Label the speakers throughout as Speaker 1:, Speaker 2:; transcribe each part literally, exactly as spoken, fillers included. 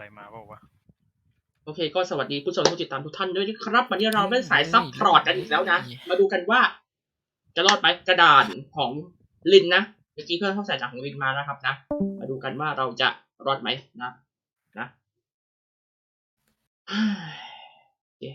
Speaker 1: มาบอกว่า
Speaker 2: โอเคก็สวัสดีผู้ชมผู้ติดตามทุกท่านด้วยนะครับวันนี้เราเล่นสายซับพอร์ตกันอีกแล้วนะมาดูกันว่าจะรอดไหมกระดานของลินนะเมื่อกี้เพื่อนเข้าใส่จากของลินมานะครับนะมาดูกันว่าเราจะรอดไหมนะนะโอเค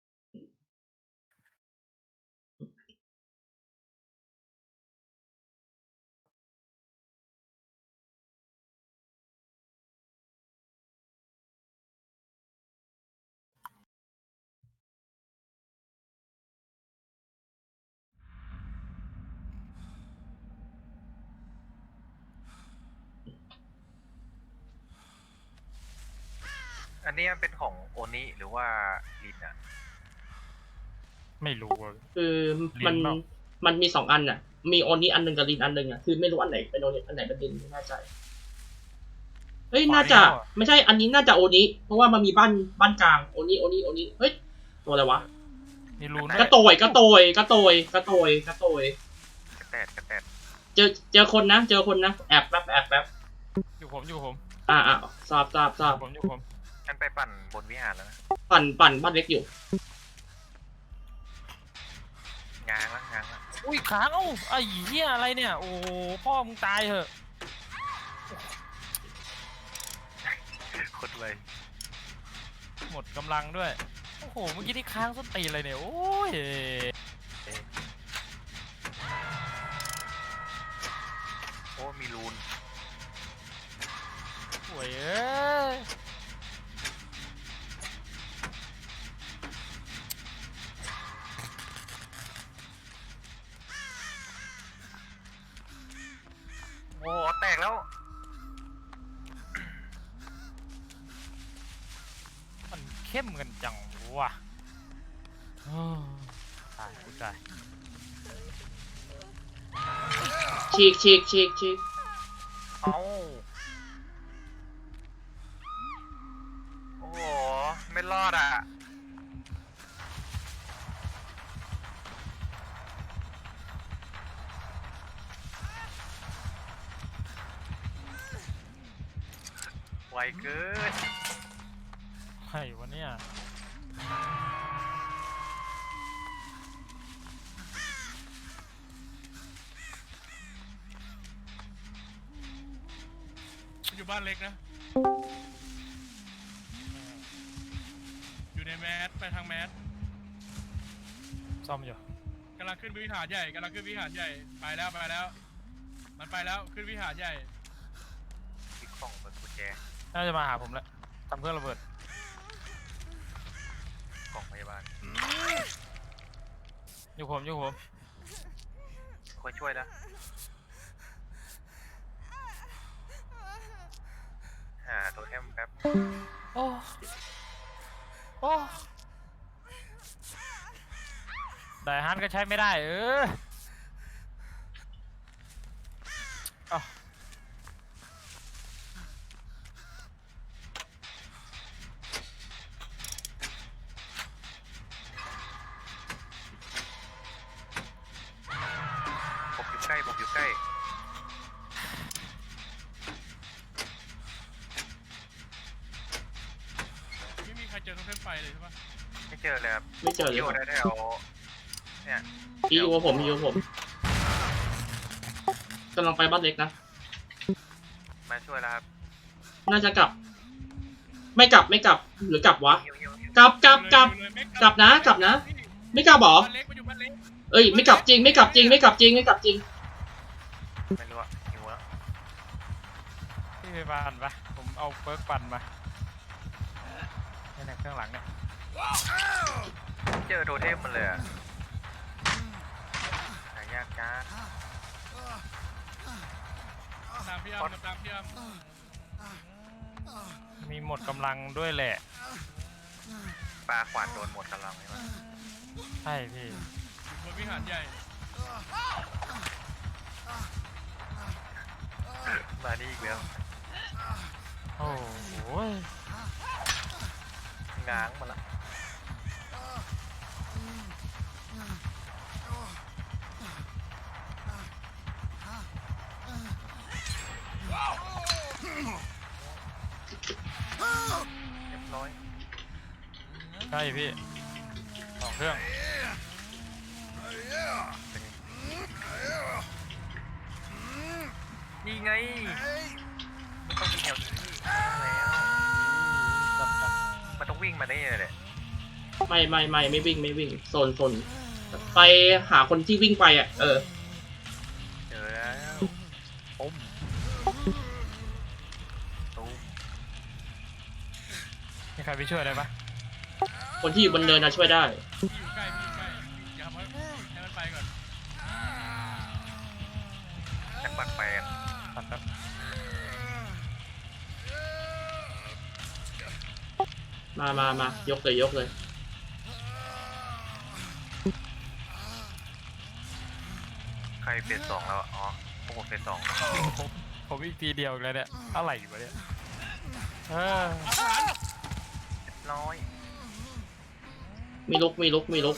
Speaker 3: อันนี้มันเป็นของโอนิหรือว่าลินอ่ะ
Speaker 1: ไม่รู้
Speaker 2: คือมันมันมีสองอันอ่ะมีโอนี้อันหนึ่งกับลินอันหนึ่งอ่ะคือไม่รู้อันไหนเป็นโอนี้อันไหนเป็นลินไม่แน่ใจเฮ้ยน่าจะไม่ใช่อันนี้น่าจะโอนี้เพราะว่ามันมีบ้านบ้านกลางโอนี้โอนี้โอนี้เฮ้ยตัวอะไรวะ
Speaker 1: นี่รู้
Speaker 2: กระโตยกระโตยกระโตยกระโตยกระโตย
Speaker 3: กระแตดกระแตด
Speaker 2: เจอเจอคนนะเจอคนนะแอบแป๊บแอบแป๊บ
Speaker 1: อยู่ผมอยู่ผม
Speaker 2: อ่าอ่าทราบทราบทราบ
Speaker 1: ผมอยู่ผม
Speaker 3: ฉันไปปั่นบนวิหารแล้วนะ
Speaker 2: ปั่นปั่นบ้านเล็กอยู่
Speaker 3: งางละงางละ
Speaker 1: อุ้ยค้างเอ้าไอ้เหี้ยอะไรเนี่ยโอ้พ่อมึงตายเหอะ
Speaker 3: คนเลย
Speaker 1: หมดกำลังด้วยโอ้โหเมื่อกี้ที่ค้างส้นตีนเลยเนี่ยโอ้ย
Speaker 3: โอ้มีรูน
Speaker 1: โว้ยเอ้ย
Speaker 3: โอ้แตกแล้ว
Speaker 1: มันเข้มกันจังวะตายกูตาย
Speaker 2: ฉีกฉีกฉีกฉีก
Speaker 3: เอ้าโอ้โหไม่รอดอ่ะไวเกิน
Speaker 1: ใครวะเนี่ย
Speaker 4: อยู่บ้านเล็กนะอยู่ในแมสไปทางแมส
Speaker 1: ซ่อมอยู่
Speaker 4: กำลังขึ้นวิหารใหญ่กำลังขึ้นวิหารใหญ่ไปแล้วไปแล้วมันไปแล้วขึ้นวิหารใหญ่
Speaker 3: อีกของเปิดกุญแจ
Speaker 1: น่าจะมาหาผมแล้วทำเครื่องระเบิด
Speaker 3: กล่องพยาบาล
Speaker 1: อยู่ผมอยู่ผม
Speaker 3: คนช่วยแล้วหาตัวแทมแป๊บ
Speaker 1: โอ้โอ้แต่ฮันก็ใช้ไม่ได้เออเอา
Speaker 3: ผมอยู่ใกล้ผมอยู่ใกล้
Speaker 4: ไม่มีใครเจอตรงเส้นไฟเลยใช่ปะ
Speaker 3: ไม่เจอเลยครับ
Speaker 2: ไม่เจอเลย
Speaker 3: อยู่ได้แถวเนี่ย
Speaker 2: อีโอผมอีโอผมกำลังไปบ้านเล็กนะ
Speaker 3: มาช่วยแล้วครับ
Speaker 2: น่าจะกลับไม่กลับไม่กลับหรือกลับวะกลับกลับกลับกลับนะกลับนะไม่กลับหรอเอ้ยไม่กลับจริงไม่กลับจริงไม่กลับจริงไม่กลับจริง
Speaker 3: ไม่รู้อะหิวแล้ว
Speaker 1: พี่ไปปั่นปะผมเอาเปิร์กปั่นมาในเครื่องหลังเนี่ย
Speaker 3: เจอโทเทมมันเลยอะหายากจ้า
Speaker 4: ตามพี่อ้ำตามพี่อ้
Speaker 1: ำมีหมดกำลังด้วยแหละ
Speaker 3: ปลาขวานโดนหมดกำลังใช่ไหม
Speaker 1: ใช่พี่
Speaker 4: บนวิหารใหญ่
Speaker 3: มานี่อีกแล้ว
Speaker 1: โอ้โห
Speaker 3: ง้างมาละ
Speaker 1: ใช่พี่สองเครื่อง
Speaker 3: นี่ไงมันต้องมีแถวนี้แล้ว
Speaker 1: จับจับ
Speaker 3: มันต้องวิ่งมาได้เลยแหละ
Speaker 2: ไม่ไม่ไม่ไม่วิ่งไม่วิ่งโซนโซนไปหาคนที่วิ่งไปอ่ะเออ
Speaker 3: เจอแล้วปุ้มตุ้ม
Speaker 1: มีใครไปช่วยได้ปะ
Speaker 2: คนที่อยู่บนเนินนะช่วยได้
Speaker 4: พี่อยู่ใกล้พี่อยู่ใกล้อย่าทำให้ให้มันไปก่อน
Speaker 3: จักปักแปน
Speaker 1: ตัดแบบ
Speaker 2: มามามายกเลยยกเลย
Speaker 3: ใครเฟสสองแล้วอะอ๋อพวกผมเฟสสอง
Speaker 1: ผมผมอีกทีเดียวอีกแล้วเนี่ยอะไรอยู่วะเนี่ยเออ
Speaker 3: เรียบร้อย
Speaker 2: มีลุกมีลุกมีลุก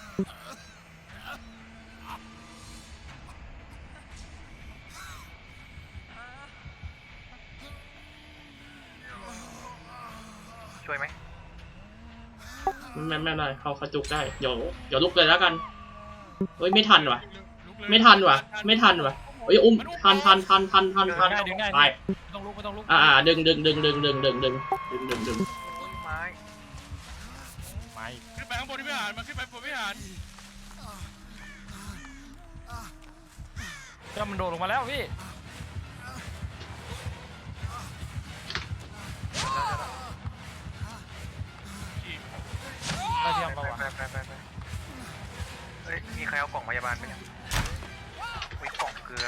Speaker 3: ช่วยไหม
Speaker 2: ไม่ไม่ไม่เขาเขาจุกได้เดี๋ยวเดี๋ยวลุกเลยแล้วกันเฮ้ยไม่ทันว่ะ
Speaker 4: ลุกเลย
Speaker 2: ไม่ทันว่ะ ไม่ทันว่ะเฮ้ยอุ้มทันทันทันทันทันทัน
Speaker 1: ได้ดึงได้
Speaker 2: ไป
Speaker 1: ไม่ต้องลุกไม่ต้องลุก
Speaker 2: อ่าดึงดึงดึงดึงดึงดึงดึงดึงดึงดึง
Speaker 3: ไม้
Speaker 1: ไม่
Speaker 4: ขึ้นไปข้างบนวิหารมาขึ้นไปบนวิหาร
Speaker 1: ก็มันโดดลงมาแล้วพี่ได้เทียม
Speaker 3: ไป
Speaker 1: ปะวะ
Speaker 3: ไปไปไปไปเฮ้ยมีใครเอากล่องพยาบาลไหมเนี่ยอุ้ยกล่องเกลือ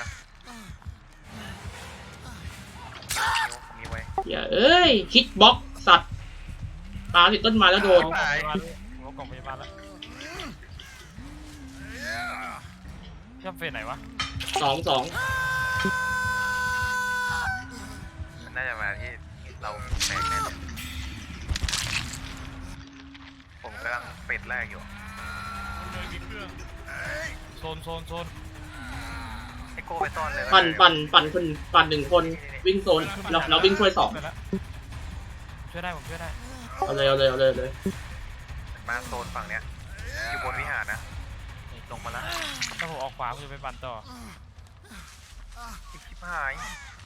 Speaker 3: นิ้วนิ้วมีไว้
Speaker 2: อย่าเอ้ยคิดบล็อกสัตว์ปลาติดต้นไม้แล้วโดน
Speaker 1: เอากล่องพยาบาลเอากล่องพยาบาลแล้วเทียมเฟสไหนวะ
Speaker 2: สองสอง
Speaker 3: มันน่าจะมาที่เราแตกแน่เลยผมกำลังเป็ดแรกอยู่
Speaker 4: เลยมีเครื่อง
Speaker 1: โซนโซนโซน
Speaker 3: ไอโก้ไปซ่อนเลย
Speaker 2: ปั่นปั่นปั่นคนปั่นหนึ่งคนวิ่งโซนเราเราวิ่งช่วยสอง
Speaker 1: ไปแล้วช่วยได้ผมช่วยได้
Speaker 2: เอาเลยเอาเลยเอาเลยเอาเลย
Speaker 3: มาโซนฝั่งเนี้ยอยู่บนวิหารนะลงมาแล้ว
Speaker 1: ถ้าผมออกขวาผมจะไปปั่นต่อ
Speaker 3: อีกชิบหาย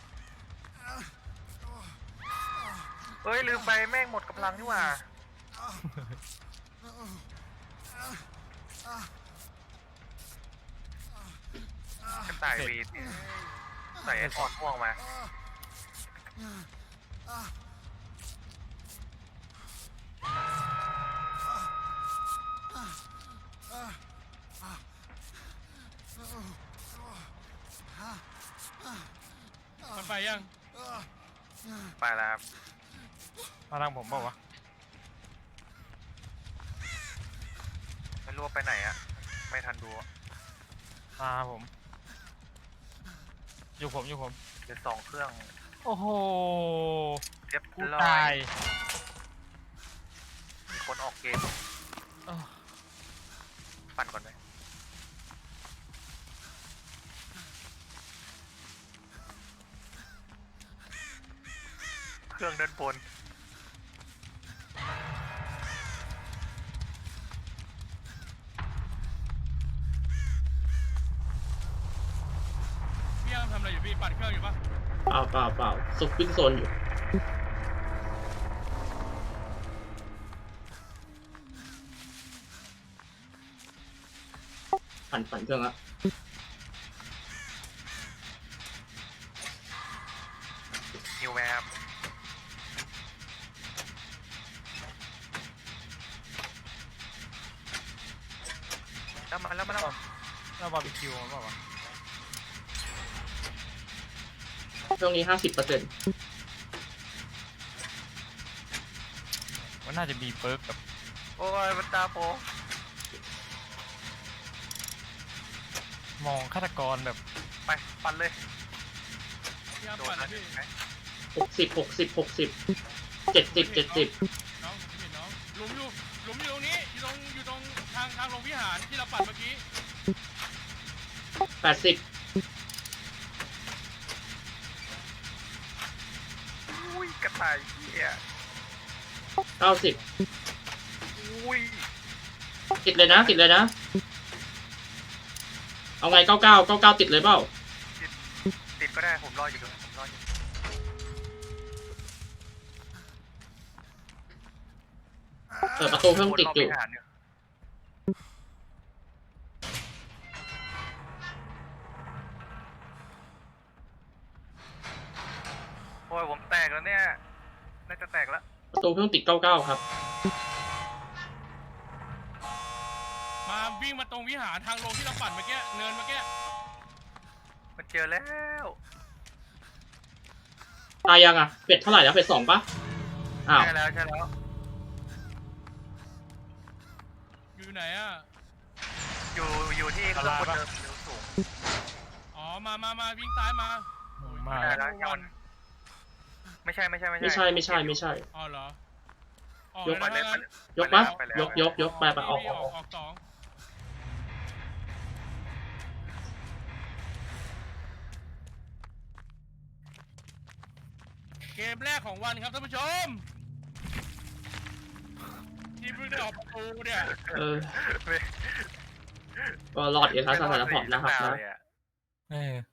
Speaker 3: เอ้ยลืมไปแม่งหมดกำลังนี่หว่ากระต่ายวีดใส่ไอ้ถอดพ่วงมา
Speaker 4: มันไปยัง
Speaker 3: ไปแล้วครับ
Speaker 1: มาทางผมเปล่าวะ
Speaker 3: ไม่รู้ว่าไปไหนอะไม่ทันดูอะ
Speaker 1: มาผม อยู่ผมอยู่ผม
Speaker 3: เดี๋ยวสองเครื่อง
Speaker 1: โอ้โห
Speaker 3: เรียบ
Speaker 1: กู
Speaker 3: ร้อ
Speaker 1: ตาย ย
Speaker 3: มีคนออกเกม
Speaker 1: เอ้อ
Speaker 3: ปั่นก่อนไหมเครื่องด้านบน
Speaker 4: พี่ยังทำอะไรอยู่พี่ปั่นเครื่องอยู่ปะ
Speaker 2: เปล่าเปล่าเปล่าซุกวิ่งโซนอยู่ปั่นปั่นเครื่องละ
Speaker 3: นิวแวบแล้วมาแล้วมาแล้ว
Speaker 1: แล้วบาร์บีคิวมันเปล่าวะ
Speaker 2: เครื่องนี้ห้าสิบเปอร์เซ็นต์
Speaker 1: มันน่าจะมีเปิร์กกับ
Speaker 3: โอ้ยมันตาโป
Speaker 1: มองฆาตกรแบบ
Speaker 3: ไปปั่นเลย
Speaker 4: พี่ยัง
Speaker 3: โด
Speaker 4: ปั่
Speaker 3: น
Speaker 4: น
Speaker 3: นะ
Speaker 4: นะพี่
Speaker 2: หกสิบหกสิบหกสิบเจ็ดสิบเจ็ดสิบ
Speaker 4: น้องผมเห็นน้องหลุมอยู่หลุมอยู่ตรงนี้อยู่ตรงอยู่ตรงทางทางลงวิหารที่เราปั่นเมื่อกี้
Speaker 2: แปดสิบ
Speaker 3: อุ้ยกระต่ายเหี้ย
Speaker 2: เก้าสิบ
Speaker 4: อุ้
Speaker 2: ติดเลยนะติดเลยนะเอาไงเก้าเก้าเก้าเก้าติดเลยเปล่า
Speaker 3: ติดก็ได้ผมรออยู่ผมรออยู่
Speaker 2: เปิดประตูเพิ่งติดอยู่
Speaker 3: วนรบวิหารเนี่ยโอ้ยผมแตกแล้วเนี่ยน่าจะแตกแล้ว
Speaker 2: ประตูเพิ่งติดเก้าเก้าครับ
Speaker 4: มาวิ่งมาตรงวิหารทางลงที่เราปั่นเมื่อกี้เนินเมื่อกี้
Speaker 3: มันเจอแล้ว
Speaker 2: ตายยังอ่ะเป็ดเท่าไหร่แล้วเป็ดสองปะอ้าว
Speaker 3: ใช่แล้วใช่แล้ว
Speaker 4: อยู่ไหนอ่ะ
Speaker 3: อยู่อยู่ที่เครื่องบนเดิมเร็วสูง
Speaker 4: อ๋อมามามาวิ่งซ้ายมา
Speaker 1: มา
Speaker 3: ไม่ได้แล้วยังไม่ใช่ไม่ใช่ไม่ใช่
Speaker 2: ไม่ใช่ไม่ใช่ไม่ใช่
Speaker 4: อ๋อเหรอออก
Speaker 2: ยก
Speaker 4: แล้ว
Speaker 3: ไปเลย
Speaker 4: นะ
Speaker 3: ไปเลย
Speaker 2: ยกปะ
Speaker 3: ไปแล้ว
Speaker 2: ยกยกยกไปไปออก
Speaker 4: พี่
Speaker 2: ออกออก
Speaker 4: ออกสองเกมแรกของวันครับท่านผู้ชมที่เพิ่งได้ออกประตูเนี่ย
Speaker 2: เออก็รอดเอทัสสถานพอร์ตนะครับนะ
Speaker 3: เลยอ
Speaker 1: เออ